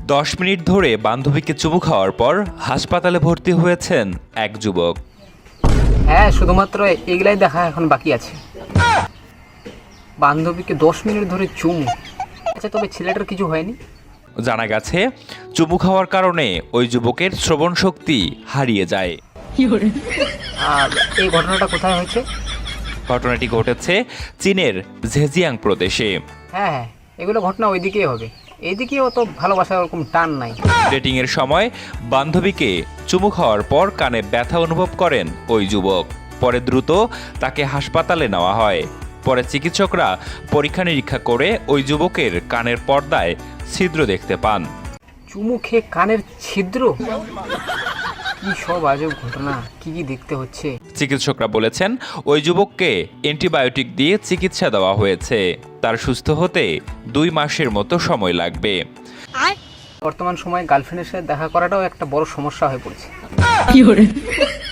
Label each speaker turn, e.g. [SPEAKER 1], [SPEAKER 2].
[SPEAKER 1] 10 minute ধরে বান্ধবীকে চুমু খাওয়ার পর হাসপাতালে ভর্তি হয়েছেন এক যুবক।
[SPEAKER 2] হ্যাঁ, শুধুমাত্র এগুলাই দেখা এখন বাকি আছে। বান্ধবীকে 10 মিনিট ধরে চুমু। আচ্ছা, তবে ছেলেটার কিছু হয়নি?
[SPEAKER 1] জানা গেছে, চুমু খাওয়ার কারণে ওই যুবকের শ্রবণ শক্তি হারিয়ে যায়।
[SPEAKER 2] আর এই ঘটনাটা কোথায় হয়েছে?
[SPEAKER 1] ঘটনাটি ঘটেছে চীনের ঝেজিয়াং প্রদেশে।
[SPEAKER 2] হ্যাঁ, এগুলো ঘটনা ওইদিকেই হবে। এইদিকে অত ভালোবাসার ওরকম টান নাই।
[SPEAKER 1] ডেটিংয়ের সময় বান্ধবীকে চুমু খাওয়ার পর কানে ব্যথা অনুভব করেন ওই যুবক। পরে দ্রুত তাকে হাসপাতালে নেওয়া হয়। পরে চিকিৎসকরা পরীক্ষা নিরীক্ষা করে ওই যুবকের কানের পর্দায় ছিদ্র দেখতে পান।
[SPEAKER 2] চুমু খেয়ে কানের ছিদ্র? কি সব আজব ঘটনা, কি দেখতে হচ্ছে।
[SPEAKER 1] চিকিৎসকরা বলেছেন ওই যুবককে অ্যান্টিবায়োটিক দিয়ে চিকিৎসা দেওয়া হয়েছে। তার সুস্থ হতে 2 মাসের মতো সময় লাগবে।
[SPEAKER 2] বর্তমান সময়ে গার্লফ্রেন্ডের সাথে দেখা করাটাও একটা বড় সমস্যা হয়ে পড়েছে।